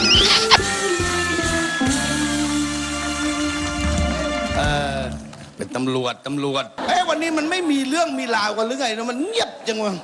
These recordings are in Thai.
เป็นตำรวจวันนี้มันไม่มีเรื่องมีราวกันหรือไงนะมันเงียบจังวะ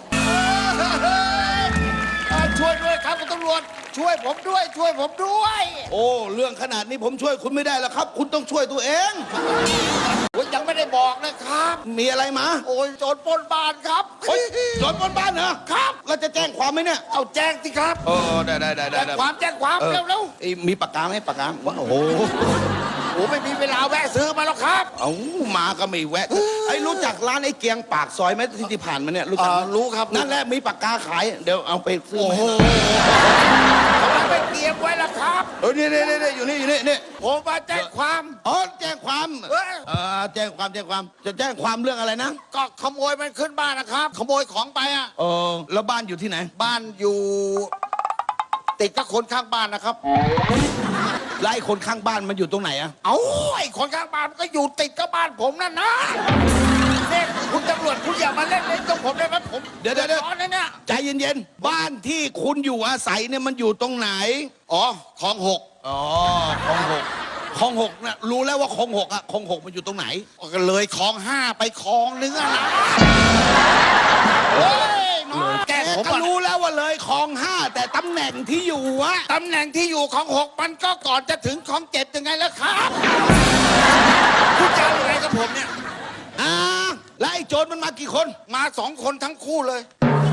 ช่วยด้วยครับคุณตำรวจช่วยผมด้วยโอ้เรื่องขนาดนี้ผมช่วยคุณไม่ได้แล้วครับคุณต้องช่วยตัวเองผมยังไม่ได้บอกนะครับมีอะไรมาโอ้ยโจรปล้นบ้านครับโจรปล้นบ้านเหรอครับเราจะแจ้งความไหมเนี่ยเอาแจ้งสิครับได้แจ้งความเร็วมีปากกาไหมปากกาโอ้โหไม่มีเวลาแวะซื้อมาแล้วครับเอามาก็ไม่แวะรู้จักร้านไอ้เกียงปากซอยไหมที่ผ่านมาเนี่ยรู้จักรู้ครับนั่นแหละมีปากกาขายเดี๋ยวเอาไปซื้อเขาไปเตรียมไว้แล้วครับนี่อยู่นี่ผมมาแจ้งความแจ้งความแจ้งความจะแจ้งความเรื่องอะไรนะก็ขโมยมันขึ้นบ้านนะครับขโมยของไปอ่ะแล้วบ้านอยู่ที่ไหนบ้านอยู่ติดกับคนข้างบ้านนะครับไล่คนข้างบ้านมันอยู่ตรงไหนอะไอ้คนข้างบ้านก็อยู่ติดกับบ้านผมนั่นนะเนี่ยคุณตำรวจคุณอย่ามาเล่นตรงผมได้ไหมผมเดี๋ยวเนี่ยใจเย็นๆบ้านที่คุณอยู่อาศัยเนี่ยมันอยู่ตรงไหนคลอง 6 คลอง 6นะรู้แล้วว่าคลอง 6อะคลอง 6มันอยู่ตรงไหนก็เลยคลอง 5ไปคลองนึงอะนะแกก็รู้แล้วว่าเลยคลอง 5แต่ตำแหน่งที่อยู่อะตำแหน่งที่อยู่ของ 6มันก็ก่อนจะถึงคลอง 7ยังไงแล้วครับคุณจะอะไรกับผมเนี่ยแล้วไอ้โจรมันมากี่คนมา2 คนทั้งคู่เลย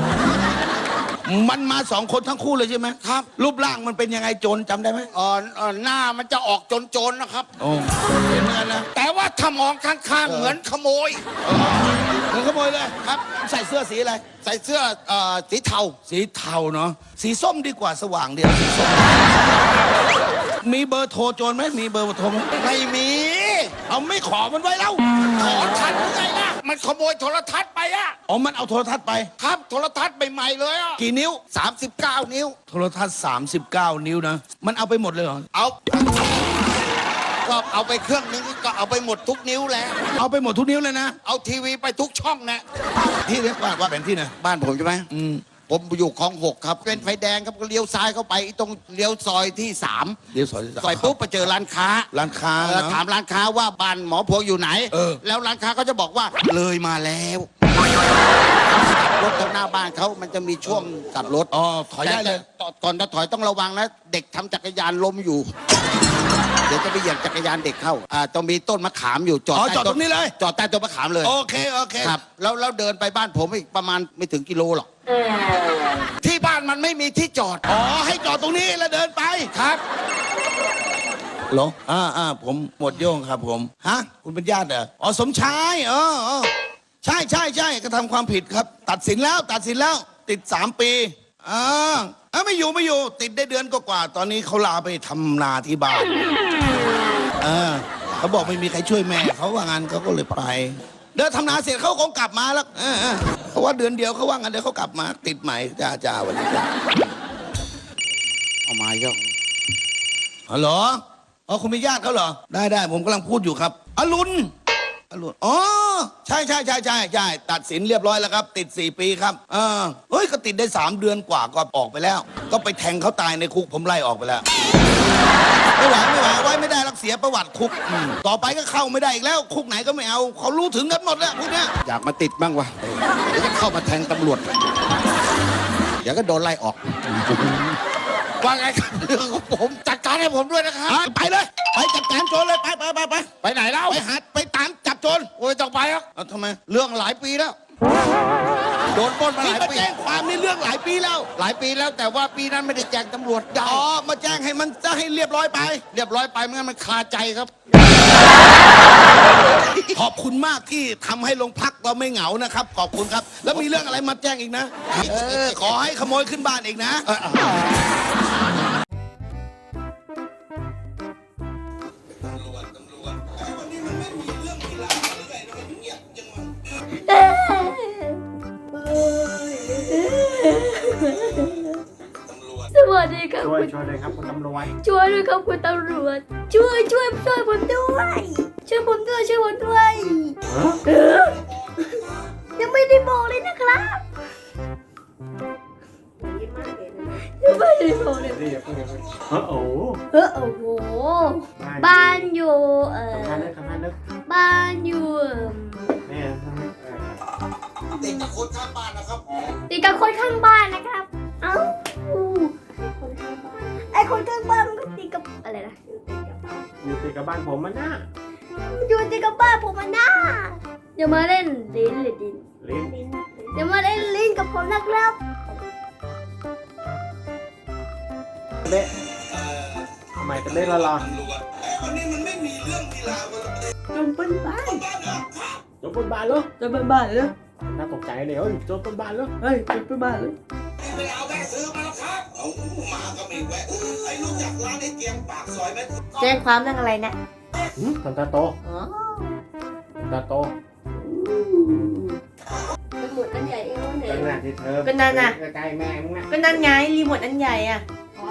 มันมา2 คนทั้งคู่เลยใช่ไหมครับรูปร่างมันเป็นยังไงโจรจำได้ไหมหน้ามันจะออกโจรนะครับเห็นเหมือนกันนะแต่ว่าถ้ามองข้างๆเหมือนขโมยเหมือนขโมยเลยครับใส่เสื้อสีอะไรใส่เสื้อสีเทาเนาะสีส้มดีกว่าสว่างเดียวสีส้มมีเบอร์โทรโจรไหมมีเบอร์โทรไหมไม่มีเอาไม่ขอมันไว้แล้วขอทันหรือไงล่ะมันขโมยโทรทัศน์ไปอะมันเอาโทรทัศน์ไปครับโทรทัศน์ใหม่ๆเลยอะกี่นิ้ว 39 นิ้วโทรทัศน์39 นิ้วนะมันเอาไปหมดเลยเหรอก็เอาไปเครื่องนึงก็เอาไปหมดทุกนิ้วแล้วเอาไปหมดทุกนิ้วเลยนะเอาทีวีไปทุกช่องนะที่เรียกว่าเป็นที่ไหนบ้านผมใช่ไหมผมอยู่คลอง 6ครับเป็นไฟแดงครับก็เลี้ยวซ้ายเข้าไปตรงเลี้ยวซอยที่3 เลี้ยวซอยที่3 ไปปุ๊บไปเจอร้านค้าถามร้านค้าว่าบ้านหมอพวงอยู่ไหนแล้วร้านค้าก็จะบอกว่าเลยมาแล้วรถตรงหน้าบ้านเขามันจะมีช่วงกลับรถถอยได้เลยก่อนจะถอยต้องระวังนะเด็กทำจักรยานล้มอยู่เดี๋ยวจะไปเหยียบจักรยานเด็กเข้าต้องมีต้นมะขามอยู่จอดตรงนี้เลยจอดใต้ต้นมะขามเลยโอเคครับแล้วเดินไปบ้านผมอีกประมาณไม่ถึงกิโลหรอกที่บ้านมันไม่มีที่จอดให้จอดตรงนี้แล้วเดินไปครับหรอผมหมดโย่งครับผมคุณเป็นญาติเหรอสมชายใช่กระทำความผิดครับตัดสินแล้วติด3 ปีไม่อยู่ติดได้เดือนกว่าตอนนี้เขาลาไปทำนาที่บ้านเขาบอกไม่มีใครช่วยแม่เขาว่างั้นเขาก็เลยไปเดินทำนาเสร็จเขาคงกลับมาแล้วเพราะว่าเดือนเดียวเขาว่างั้นเดี๋ยวเขากลับมาติดใหม่จ้าวันนี้เอามาเยอะฮัลโหลคุณเป็นญาติเขาเหรอได้ผมกำลังพูดอยู่ครับอรุณใช่ตัดสินเรียบร้อยแล้วครับติด4 ปีครับก็ติดได้3 เดือนกว่าก็ออกไปแล้วก็ไปแทงเขาตายในคุกผมไล่ออกไปแล้วไม่ไหวไว้ไม่ได้รักเสียประวัติคุกต่อไปก็เข้าไม่ได้อีกแล้วคุกไหนก็ไม่เอาเขารู้ถึงกันหมดแล้วพวกเนี้ยอยากมาติดบ้างวะเดี๋ยวจะเข้ามาแทงตำรวจเดี๋ยวก็โดนไล่ออกว่าไงครับเรื่องของผมจัดการให้ผมด้วยนะครับไปเลยไปจัดการโจรเลยไปไหนเล่าไปตามจับโจรโอ้ยต้องไปครับทำไมเรื่องหลายปีแล้วโดนปล้นมาหลายปีแจ้งความในเรื่องหลายปีแล้วแต่ว่าปีนั้นไม่ได้แจ้งตำรวจมาแจ้งให้มันจะให้เรียบร้อยไปไม่งั้นมันคาใจครับขอบคุณมากที่ทำให้โรงพักเราไม่เหงานะครับขอบคุณครับแล้วมีเรื่องอะไรมาแจ้งอีกนะขอให้ขโมยขึ้นบ้านอีกนะสวัสดีครับช่วยเลยครับคุณตำรวจช่วยด้วยครับคุณตำรวจช่วยผมด้วยยังไม่ได้บอกเลยนะครับไม่ได้โทรเลยนี่อย่าเพิ่งโอ้โหโอ้โหบ้านอยู่คำพันนึกบ้านอยู่แม่ติดกับคนข้างบ้านนะครับติดกับคนข้างบ้านนะครับเอ้าไอ้คนข้างบ้านมันก็ติดกับอะไรนะอยู่ติดกับบ้านผมมันน่ะอยู่ติดกับบ้านผมมันน่าอย่ามาเล่นลิ้นหรือดินลิ้นอย่ามาเล่นลิ้นกับผมนะครับเบ๊ะทำไมจะเบ๊ะละลอวันนี้มันไม่มีเรื่องมีราวกันเลยจนเป็นบ้านโจมบนบ้านเหรอจนเป็นบ้านเลยน่าตกใจเลยเฮ้ยโจมบนบ้านเหรอเฮ้ยจนเป็นบ้านเลยไม่เอาแวะซื้อมาแล้วครับเอามาก็ไม่แวะไอ้รู้จักร้านไอ้เกียงปากซอยไหมแจ้งความเรื่องอะไรนะทำตาโตอ๋อตาโตเป็นหมดอันใหญ่เองวะเนี่ยเป็นหน้าที่เธอเป็นนั่นน่ะใกล้แม่มึงน่ะก็นั่นไงรีโมทอันใหญ่อ่ะ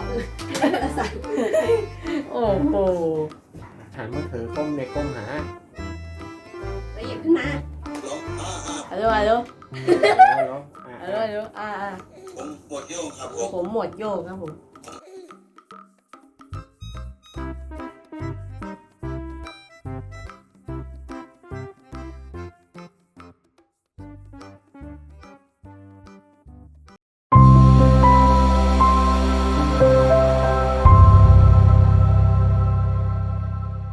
โอ้โหหันมือถือก้มในก้มหาไปหยิบขึ้นมาฮัลโหลฮัลโหลแล้วฮัลโหลฮัลโหลผมหมดโยงครับผมผมหมวดโยงครับผม